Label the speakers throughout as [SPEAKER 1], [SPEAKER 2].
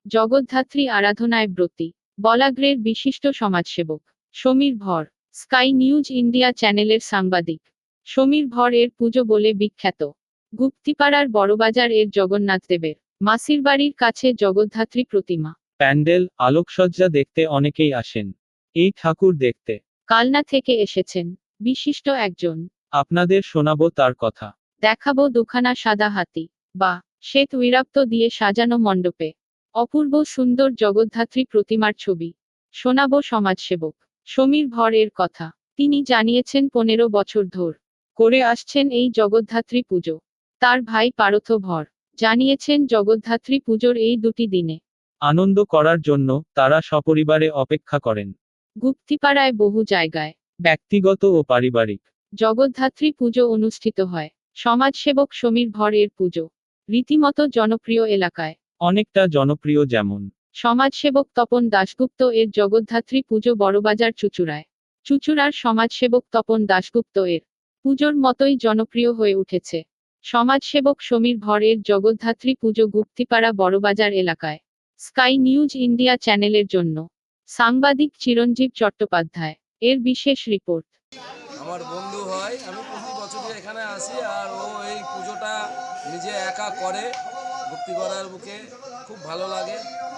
[SPEAKER 1] জগদ্ধাত্রী আরাধনায় ব্রতী বলাগ্রের বিশিষ্ট সমাজসেবক সমীর ভর স্কাই নিউজ ইন্ডিয়া চ্যানেলের সাংবাদিক সমীর ভর এর পুজো বলে বিখ্যাত। গুপ্তিপাড়ার বড়বাজার এর জগন্নাথ দেবের মাসির বাড়ির কাছে জগদ্ধাত্রী প্রতিমা
[SPEAKER 2] প্যান্ডেল আলোকসজ্জা দেখতে অনেকেই আসেন। এই ঠাকুর দেখতে
[SPEAKER 1] কালনা থেকে এসেছেন বিশিষ্ট একজন।
[SPEAKER 2] আপনাদের শোনাবো তার কথা।
[SPEAKER 1] দেখাবো দুখানা সাদা হাতি বা শ্বেত উইরাপ্ত দিয়ে সাজানো মণ্ডপে অপূর্ব সুন্দর জগদ্ধাত্রী প্রতিমার ছবি। শোনাবো সমাজসেবক সমীর ভর এর কথা। তিনি জানিয়েছেন 15 বছর ধর করে আসছেন এই জগদ্ধাত্রী পুজো। তার ভাই পারথ ভর জানিয়েছেন জগদ্ধাত্রী পুজোর এই দুটি দিনে
[SPEAKER 2] আনন্দ করার জন্য তারা সপরিবারে অপেক্ষা করেন।
[SPEAKER 1] গুপ্তিপাড়ায় বহু জায়গায়
[SPEAKER 2] ব্যক্তিগত ও পারিবারিক
[SPEAKER 1] জগদ্ধাত্রী পুজো অনুষ্ঠিত হয়। সমাজসেবক সমীর ভর এর পুজো রীতিমতো জনপ্রিয় এলাকায়
[SPEAKER 2] অনেকটা জনপ্রিয়, যেমন
[SPEAKER 1] সমাজসেবক তপন দাশগুপ্ত এর জগদ্ধাত্রী পুজো বড়বাজার চুঁচুড়ায়। চুঁচুড়ার সমাজসেবক তপন দাশগুপ্ত এর পুজোর মতোই জনপ্রিয় হয়ে উঠেছে সমাজসেবক সমীর ভর এর জগদ্ধাত্রী পুজো গুপ্তিপাড়া বড়বাজার এলাকায়। স্কাই নিউজ ইন্ডিয়া চ্যানেলের জন্য সাংবাদিক চিরঞ্জীব চট্টোপাধ্যায় এর বিশেষ রিপোর্ট।
[SPEAKER 3] আমার বন্ধু হয়, আমি প্রতি বছরই এখানে আসি, আর ও এই পুজোটা নিজে একা করে গুপ্তিপাড়ার বুকে। খুব ভালো লাগে,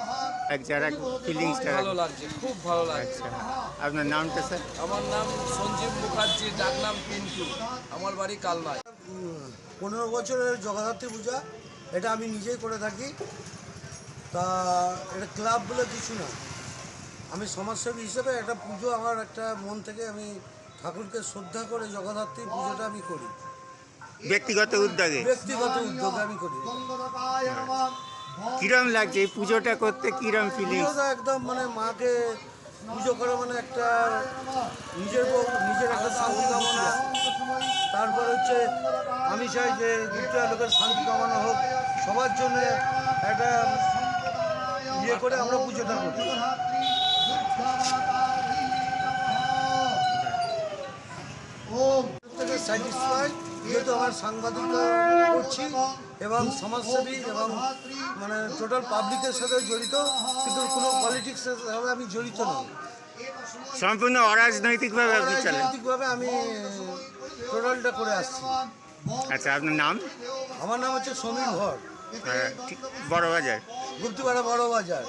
[SPEAKER 3] ভালো লাগছে, খুব ভালো লাগছে।
[SPEAKER 4] আপনার নামটা স্যার?
[SPEAKER 3] আমার নাম সঞ্জীব মুখার্জি, ডাক নাম পিন্টু। আমার বাড়ি কালনায়।
[SPEAKER 5] 15 বছরের জগদ্ধাত্রী পূজা, এটা আমি নিজেই করে থাকি। তা এটা ক্লাব বলে কিছু না, আমি সমাজসেবী হিসেবে একটা পুজো, আমার একটা মন থেকে আমি ঠাকুরকে শ্রদ্ধা করে জগদ্ধাত্রী পুজোটা আমি করি।
[SPEAKER 4] ব্যক্তিগত উদ্যোগে
[SPEAKER 5] আমি করি।
[SPEAKER 4] কিরম লাগছে এই পুজোটা করতে? কিরম ফিলিংস?
[SPEAKER 5] পুজোটা একদম মানে মাকে পুজো করা মানে একটা নিজের একটা শান্তি কামনা। তারপর হচ্ছে আমি চাই যে গুপ্তিপাড়া লোকের শান্তি কামনা হোক, সবার জন্য একটা ইয়ে করে আমরা পুজোটা করি। স্যাটিসফাই, যেহেতু আমার সাংবাদিকতা করছি এবং সমাজসেবী এবং মানে টোটাল পাবলিকের সাথে জড়িত, কিন্তু কোনো পলিটিক্সের সাথে আমি জড়িত নই।
[SPEAKER 4] সম্পূর্ণ অরাজনৈতিকভাবে আপনি চলেন?
[SPEAKER 5] রাজনৈতিকভাবে আমি টোটালটা করে আসছি।
[SPEAKER 4] আচ্ছা, আপনার নাম?
[SPEAKER 5] আমার নাম হচ্ছে সমীর ভর,
[SPEAKER 4] বড়বাজার,
[SPEAKER 5] গুপ্তিপাড়া বড়বাজার।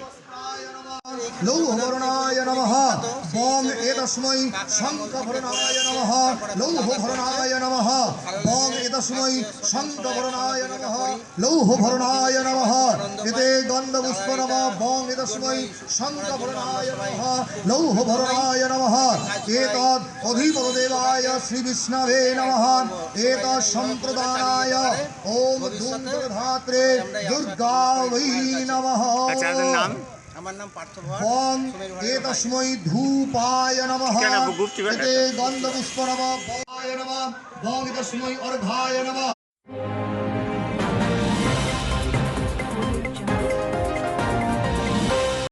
[SPEAKER 6] লৌহবরণায় নমঃ। বং এতস্मै শঙ্খভরণায় নমঃ। লৌহভরণায় নমঃ। বং এতস্मै শঙ্খভরণায় নমঃ। লৌহভরণায় নমঃ। এতে গন্ধপুষ্প নমঃ। বং এতস্मै শঙ্খভরণায় নমঃ। লৌহভরণায় নমঃ। এতদ্ অধিপতিদেবায় শ্রীবিষ্ণবে নমঃ। এতৎ সম্প্রদানায় ওম দুর্গাধাত্রে দুর্গাবৈ নমঃ।
[SPEAKER 4] আচ্ছা, আপনার নাম?
[SPEAKER 3] আমার নাম পার্থ ভর।
[SPEAKER 6] বং এতস্मै ধূপায় নমঃ। এতে গন্ধপুষ্প নমঃ। বং এতস্मै অর্ঘায় নমঃ।